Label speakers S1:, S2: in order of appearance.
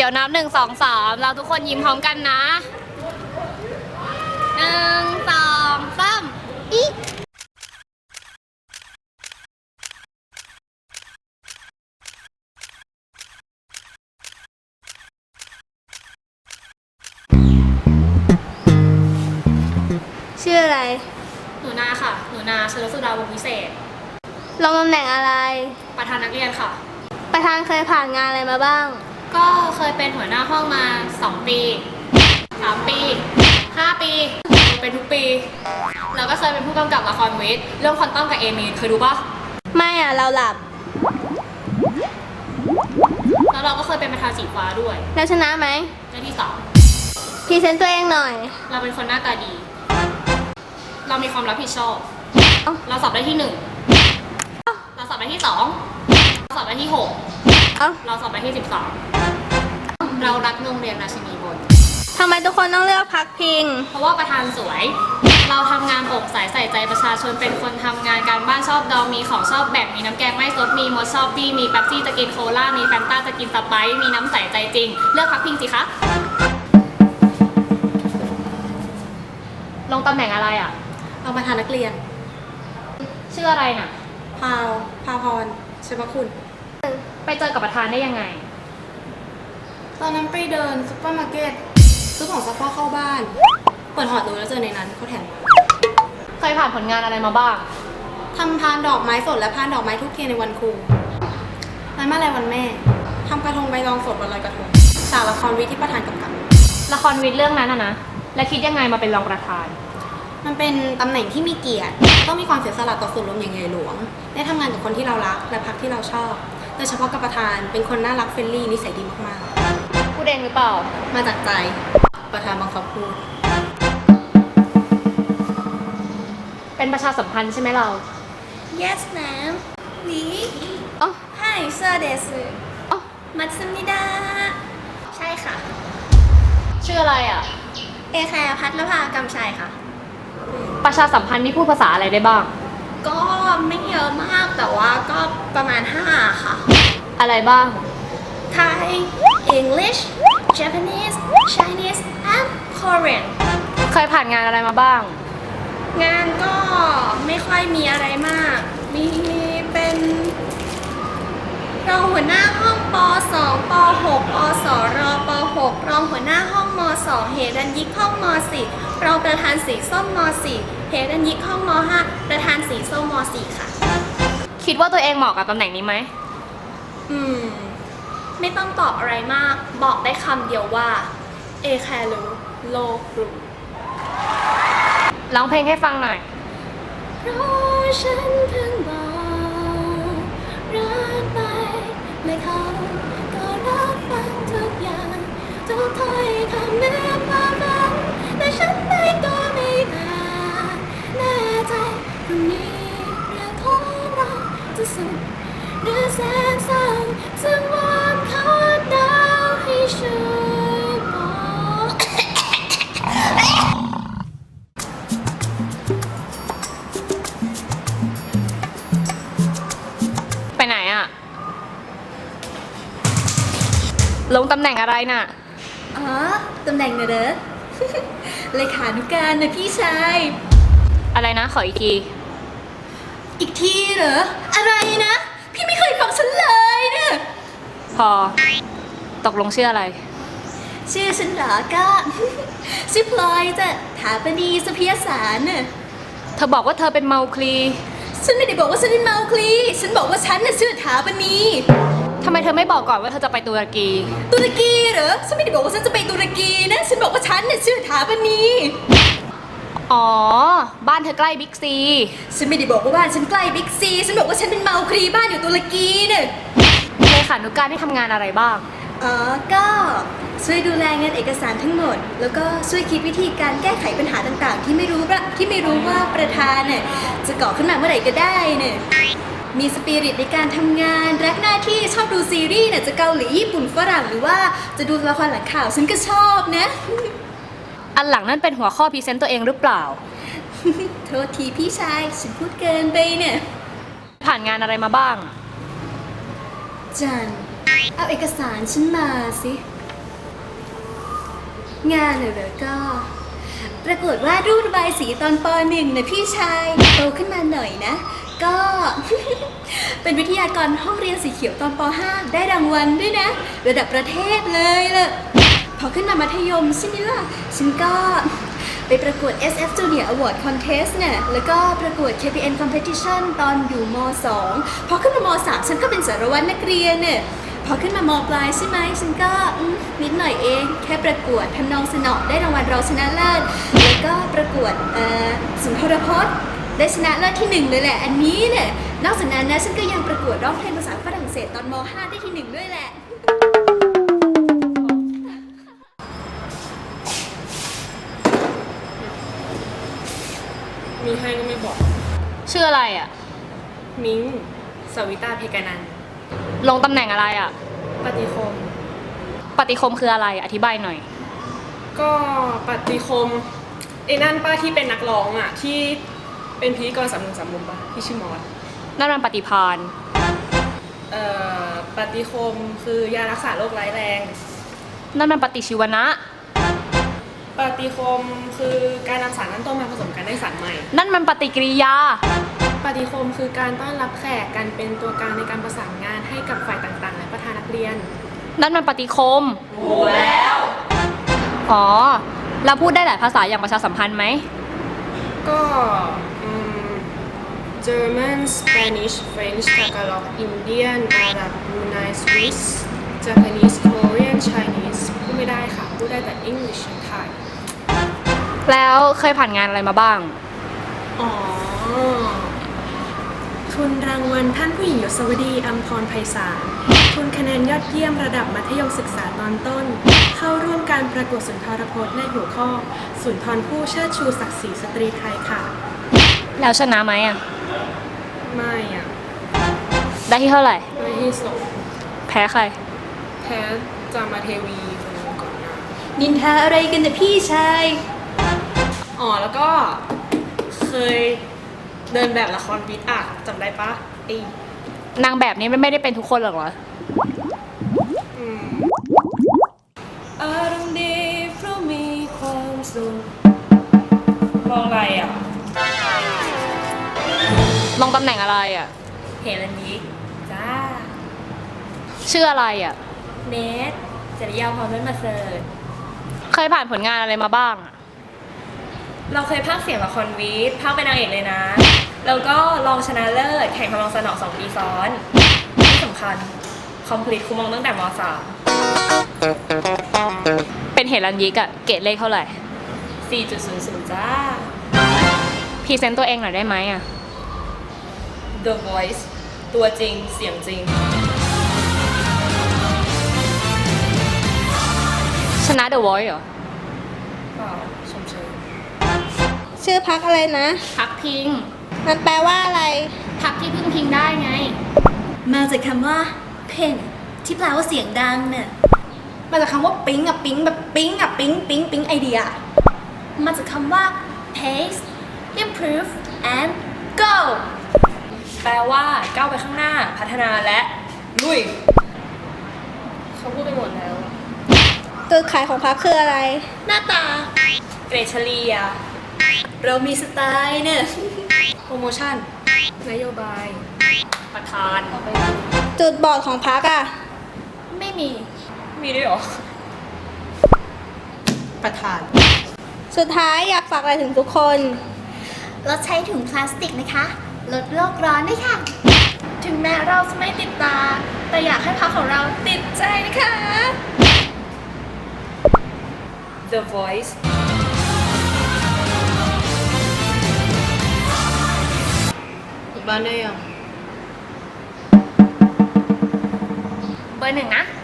S1: ยวนับ1 2 3เราทุกคนยิ้มพร้อมกันนะ1 2 3อี
S2: ชื่ออะไร
S1: หนูนาค่ะ หนูนาชลสุดาวงศ์วิเศษ
S2: ลงตำแหน่งอะไร
S1: ประธานนักเรียนค่ะ
S2: ประธานเคยผ่านงานอะไรมาบ้าง
S1: ก็เคยเป็นหัวหน้าห้องมา2 ปี 3 ปี 5 ปี เป็นทุกปี แล้วก็เคยเป็นผู้กำกับละครวิทย์เรื่องคอนต้อมกับเอมีนเคยดูปะ
S2: ไม่อ่ะ เราหลับ
S1: แล้วเราก็เคยเป็นประธานสีฟ้าด้วย
S2: แล้วชนะไหม
S1: ได้ที่
S2: พรีเซนต์ตัวเองหน่อย
S1: 2เราเป็นคนหน้าตาดี เรามีความรับผิดชอบ
S2: เอ้า
S1: เราสอบได้ที่ 1เราสอบได้ที่ 2เราสอบได้ที่
S2: เอ้า
S1: 6เราสอบได้ที่ 13เรารักโรงเรียนราชินีบน
S2: ทำไมทุกคนต้องเลือกพักพิง
S1: เพราะว่าประธานสวย เราทำงานโปร่งใสใส่ใจประชาชนเป็นคนทำงานการบ้านชอบดองมีของชอบแบ่งมีน้ำแกงไม่ซดมีมดชอบบี้มีแป๊บซี่จะกินโคลามีแฟนต้าจะกินสไปซ์มีน้ำใสใจจริง เลือกพักพิงสิคะลงตำแหน่งอะไรอ่ะ
S3: เราประธานนักเรียน
S1: ชื่ออะไรน่ะ
S3: พาพรใช่ปะคุณ
S1: ไปเจอกับประธานได้ยังไง
S3: ตอนนั้นไปเดินซุปเปอร์มาร์เก็ตซื้อของซักผ้าเข้าบ้าน เปิดหอดูแล้วเจอในนั้นเขาแถมมา
S1: เคยผ่านผลงานอะไรมาบ้าง
S3: ทำพานดอกไม้สดและพานดอกไม้ทุกเทียนในวันครูงานมาลัยวันแม่ทำกระทงใบตองสดวันลอยกระทงฉากละครวิทย์ที่ประธานกำกับ
S1: ละครวิทย์เรื่องนั้นนะและคิดยังไงมาเป็นรองประธาน
S3: มันเป็นตำแหน่งที่มีเกียรติต้องมีความเสียสละต่อส่วนรวมอย่างใหญ่หลวงได้ทำงานกับคนที่เรารักและพรรคที่เราชอบโดยเฉพาะกับประธานเป็นคนน่ารักเฟรนลี่นิสัยดีมาก
S1: พูดเองหรือเปล่า
S3: ๆ มาจากใจประธานบังคับพูด
S1: เป็นประชาสัมพันธ์ใช่ไหมเรา
S3: Yes ma'am นี่
S2: อ๋อ
S3: Hi sir เดส
S2: อ๋อ
S3: มัตสึมิดาใช่ค่ะ
S1: ชื่ออะไรอ่ะ
S3: เอแคร์พัทรภากำชัยค่ะ
S1: ประชาสัมพันธ์นี่พูดภาษาอะไรได้บ้าง
S3: ก็ไม่เยอะมากแต่ว่าก็ประมาณ 5 ค่ะ
S1: อะไรบ้าง
S3: Thai English Japanese Chinese and Korean
S1: เคยผ่านงานอะไรมาบ้าง
S3: งานก็ไม่ค่อยมีอะไรมาก มีเป็นรองหัวหน้าห้องป .2 ป .6 อสรป .6 รองหัวหน้าห้องม .2 เฮดันยิกห้องม .4 รองประธานสีส้มม .4 เฮดันยิกห้องม .5 ประธานสีส้มม .4 ค่ะ
S1: คิดว่าตัวเองเหมาะกับตำแหน่งนี้ไหม
S3: ไม่ต้องตอบอะไรมาก บอกได้คำเดียวว่า เอแคร์รู้โลกรู้
S1: ร้องเพลงให้ฟังหน่อย
S3: เพราะฉันเพิ่งบอกรักไปและเขาก็รับฟังทุกอย่างทุกถ้อยคำแม้ความฝันแต่ฉันไม่ก็ไม่อาจแน่ใจพรุ่งนี้เรื่องของเราจะสุขหรือแสนเศร้าจึงวอนขอดาวให้ช่วยบอก
S1: ไปไหนอ่ะ ลงตำแหน่งอะไรน่ะ
S3: อ๋อ ตำแหน่งเนอะเด้อ เลขานุการนะพี่ชาย
S1: อะไรนะ ขออีกที
S3: อีกทีเหรอ อะไรนะ พี่ไม่เคยฟังฉันเลยเนี่ย
S1: พอ ตกลงชื่ออะไร
S3: ชื่อฉันเหรอก็ ชื่อพลอยจ้ะถาปนีสุพิยสารน่ะ
S1: เธอบอกว่าเธอเป็นเมาคลี
S3: ฉันไม่ได้บอกว่าฉันเป็นเมาคลี ฉันบอกว่าฉันน่ะชื่อถาปนี
S1: ทำไมเธอไม่บอกก่อนว่าเธอจะไปตุรกี
S3: ตุรกีเหรอ ฉันไม่ได้บอกว่าฉันจะไปตุรกีนะ ฉันบอกว่าฉันน่ะชื่อถาปนี
S1: อ๋อ บ้านเธอใกล้บิ๊กซี
S3: ฉันไม่ได้บอกว่าบ้านฉันใกล้บิ๊กซี ฉันบอกว่าฉันเป็นเมาคลีบ้านอยู่ตุรกีเนี่ย
S1: เลขานุการที่ทำงานอะไรบ้าง
S3: อ๋อ ก็ช่วยดูแลงานเอกสารทั้งหมด แล้วก็ช่วยคิดวิธีการแก้ไขปัญหาต่างๆ ที่ไม่รู้ว่าประธานเนี่ยจะก่อขึ้นมาเมื่อไหร่ก็ได้เนี่ยมีสปิริตในการทำงานรักหน้าที่ชอบดูซีรีส์เนี่ยจะเกาหลีญี่ปุ่นฝรั่งหรือว่าจะดูละครหลังข่าวฉันก็ชอบนะ
S1: อันหลังนั่นเป็นหัวข้อพรีเซนต์ตัวเองหรือเปล่า
S3: โทษทีพี่ชายฉันพูดเกินไปเนี่ย
S1: ผ่านงานอะไรมาบ้าง
S3: จันเอาเอกสารฉันมาสิงานเหรอก็ ประกวดวาดรูประบายสีตอนป .1 นะพี่ชายโตขึ้นมาหน่อยนะ ก็ เป็นวิทยากรห้องเรียนสีเขียวตอนป .5 ได้รางวัลด้วยนะ ระดับประเทศเลยล่ะ พอขึ้นมามัธยมใช่ไหมล่ะ ฉันก็ไปประกวด SF Junior Award Contest เนี่ยแล้วก็ประกวด KPN Competition ตอนอยู่ม .2 พอขึ้นมาม .3 ฉันก็เป็นสารวัตรนักเรียนเนี่ยพอขึ้นมามปลายใช่ไหมฉันก็นิดหน่อยเองแค่ประกวดทำนองสนอได้รางวัลรองชนะเลิศแล้วก็ประกวดสุนทรพจน์ได้ชนะเลิศที่ 1เลยแหละอันนี้เนี่ยนอกจากนั้นนะฉันก็ยังประกวดร้องเพลงภาษาฝรั่งเศสตอนม .5 ได้ที่ 1ด้วยแหละ
S4: มีให้ก็ไม่บอก
S1: ชื่ออะไรอ่ะ
S4: มิ้งสวิตาเพกานันท์
S1: ลงตำแหน่งอะไรอ่ะ
S4: ปฏิคม
S1: ปฏิคมคืออะไรอธิบายหน่อย
S4: ก็ปฏิคมไอ้นั่นป้าที่เป็นนักร้องอ่ะ ที่เป็นพิธีกร3 มุมป่ะที่ชื่อมอส
S1: นั่นมันปฏิพาน
S4: ปฏิคมคือยารักษาโรคร้ายแรง
S1: นั่นมันปฏิชีวนะ
S4: ปฏิคมคือการนำสารนั้นต้มมาผสมกันได้สารใหม่
S1: นั่นมันปฏิกิริยา
S4: ปฏิคมคือการต้อนรับแขกการเป็นตัวกลางในการประสานงานให้กับฝ่ายต่างๆ และประธานนักเรียน
S1: นั่นมันปฏิคมรู้แล้ว อ๋อ เราพูดได้หลายภาษาอย่างประชาสัมพันธ์ไหม
S4: ก็German Spanish French Tagalog Indian Arab Brunei Swiss Japanese Korean Chinese พูดไม่ได้ค่ะ พูดได้แต่ English และไทย
S1: แล้วเคยผ่านงานอะไรมาบ้าง
S4: อ๋อ ทุนรางวัลท่านผู้หญิงยศวดีอัมพรไพศาลทุนคะแนนยอดเยี่ยมระดับมัธยมศึกษาตอนต้น เข้าร่วมการประกวดสุนทรพจน์ในหัวข้อ สุนทรผู้เชิดชูศักดิ์ศรีสตรีไทยค่ะ
S1: แล้วชนะไหมอ่ะ
S4: ไม่อ่ะ
S1: ได้ที่เท่าไหร่
S4: ไม่ที่สอง
S1: แพ้ใคร
S4: แพ้จามาเทวีคนนึงก่อนหนะ
S3: นินทาอะไรกันนะพี่ชาย
S4: อ๋อ แล้วก็เคยเดินแบบละครวิทย์อ่ะจำได้ปะไอ้
S1: นางแบบนี้ไม่ได้เป็นทุกคนหรอกเหรอ
S4: อารมณ์ดีเพราะมีความสุขมองอะไรอ่ะ
S1: ลงตำแหน่งอะไรอ่ะ
S4: เฮลันยิกจ้า
S1: ชื่ออะไรอ่ะ
S4: เนทจริยาพรเล่นมาเสิร์ต
S1: เคยผ่านผลงานอะไรมาบ้างอ่ะ
S4: เราเคยพากย์เสียงละครวิทย์พากย์เป็นนางเอกเลยนะ แล้วก็รองชนะเลิศแข่งทำนองสนอ2 ปีซ้อน ที่สำคัญ คอมพลีทคุมองตั้งแต่ม
S1: เป็นเหรัญยิกอ่ะ เกรดเลขเท่าไหร่
S4: .3 4.00 จ้า
S1: พรีเซนต์ตัวเองหน่อยได้ไหมอ่ะ
S4: The Voice ตัวจริงเสียงจริง
S1: ชนะ The Voice เหรอ
S4: เปล่าชมเชย
S2: ชื่อพักอะไรนะ
S1: พักพิง
S2: มันแปลว่าอะไร
S1: พักที่พึ่งพิงได้ไง
S3: มาจากคำว่า pen ที่แปลว่าเสียงดังเนี่ยมาจากคำว่าปิ๊งอะปิ๊งแบบปิ๊งอะปิ๊งปิ๊งปิ๊งไอเดีย มาจากคำว่า pace improve and go
S4: แปลว่าก้าวไปข้างหน้าพัฒนาและลุย เขาพูดไปหมดแล้ว
S2: จุดขายของพักคืออะไร
S3: หน้าตา
S4: เกรดเฉลี่ย
S3: เรามีสไตล์เนี่ย
S4: โปรโมชั่น นโยบาย
S1: ประธาน
S2: จุดบอดของพักอ่ะ
S3: ไม่มี
S4: มีด้วยเหรอ
S3: ประธาน
S2: สุดท้ายอยากฝากอะไรถึงทุกคน
S3: ลดใช้ถุงพลาสติกนะคะ ลดโลกร้อนด้วยค่ะ ถึงแม้เราจะไม่ติดตา แต่อยากให้พักของเราติดใจนะคะ
S4: The Voice
S3: บ้านได้ยัง
S1: เบอร์ 1 นะ